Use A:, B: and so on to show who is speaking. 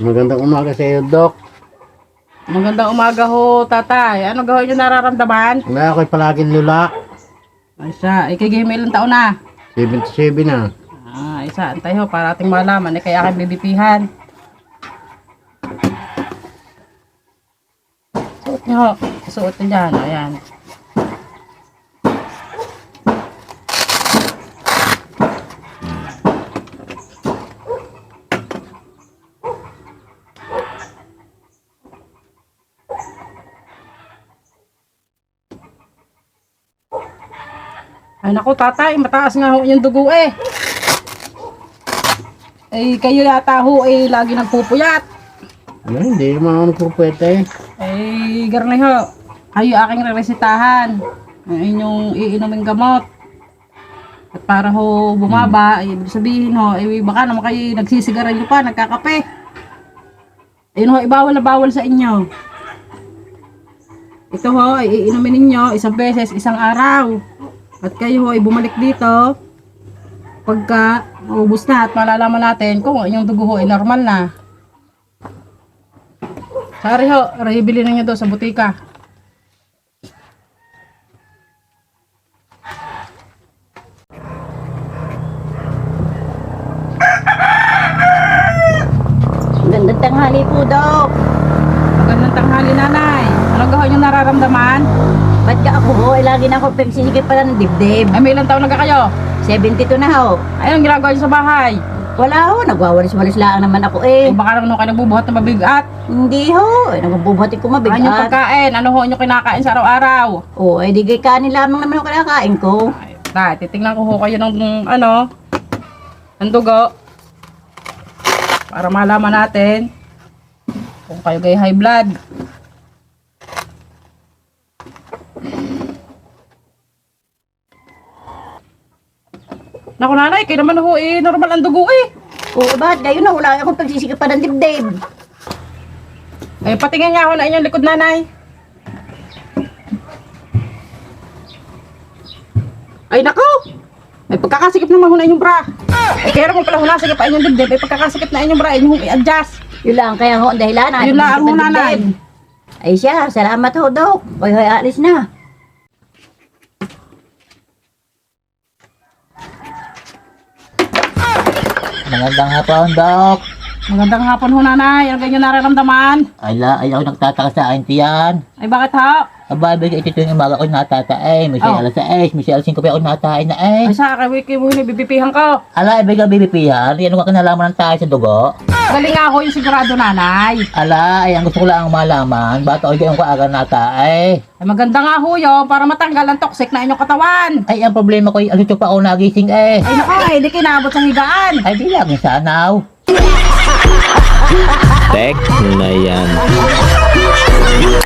A: Magandang umaga sa iyo, Dok.
B: Magandang umaga ho, tatay. Ano gawin niyo nararamdaman?
A: Wala ako'y palaging lula.
B: Ay siya, ikigihim ilang taon na.
A: 77 na.
B: Isa, antay ho, para ating malaman, kaya aking bibipihan. Suot niyo ho, suot niyo dyan, ayan. Ay naku tatay, mataas nga ho yung dugo eh. Eh kayo yata ho eh lagi nagpupuyat.
A: Ano, hindi naman ako nagpupwete.
B: Eh garne ho, kayo aking reresitahan. Ang inyong iinuming gamot. At para ho bumaba, ibig sabihin ho, eh baka naman kayo nagsisigarilyo pa, nagkakape. Ayun ho, ibawal na bawal sa inyo. Ito ho, ay iinumin ninyo isang beses, isang araw. At kayo ay bumalik dito pagka maubos na at malalaman natin kung yung dugo ho ay normal na. Sorry ho, bili na nyo doon sa butika.
C: Magandang tanghali po, Dok.
B: Magandang tanghali, nanay. Ano gawin yung nararamdaman?
C: Ba't ka ako ho? Lagi na ako pagsisigit pala ng dibdib.
B: Ay, may ilang taon na ka kayo?
C: 72 na ho.
B: Ay, anong ginagawa nyo sa bahay?
C: Wala ho, nagwawalis-walis lang naman ako
B: Ay,
C: eh.
B: baka naman kayo nagbubuhat ng mabigat.
C: Hindi ho, nagbubuhatin ko
B: Ano yung
C: mabigat.
B: pagkain? Ano ho yung kinakain sa araw-araw?
C: Oo, eh di kay kanin lamang naman ang kinakain ko.
B: Ay, titingnan ko ho kayo ng ano, ng dugo. Para malaman natin kung kayo gay high blood. Naku nanay, kayo naman ho eh, normal ang dugo eh.
C: Oo, bakit gayon na? Wala akong pagsisigit pa ng dibdib.
B: Eh, patingin nga ako na inyong likod nanay. Ay nako! May pagkakasikip naman ho na inyong bra. Eh, kaya naman pala ho nasikip pa inyong dibdib. May pagkakasikip na inyong bra, inyong i-adjust.
C: Yun lang, kaya ho, ang dahilan.
B: Yun lang
C: pagsisikip
B: ho
C: ng
B: nanay.
C: dibdib. Ay siya, salamat ho, Dok. Hoy, alis na.
D: Magandang hapon, Dok.
B: Magandang hapon ho nanay. Ano ganyan nararamdaman?
D: Ay ako nagtataka sa akin tiyan.
B: Ay bakit ho?
D: Aba, ito yung umaga ko natatae. May
B: Oh.
D: alas 6, may alas 5 pa ako natae na eh.
B: Ay sa akin, wiki mo bibipihan ko.
D: Ala, ibig ang bibipihan. Yan ang kinalaman ng tayo sa dugo.
B: Galing nga ako yung sigurado nanay.
D: Ala, ay ang gusto ko lang malaman. Ba't ako yung kaaga natae?
B: Ay maganda nga ho yun para matanggal ang toxic na inyong katawan.
D: Ay, ang problema ko, ang pa ako nagising eh.
B: Ay nako, eh di kinabot sa higaan.
D: Ay, di lang sanaw.
E: Tek na yan.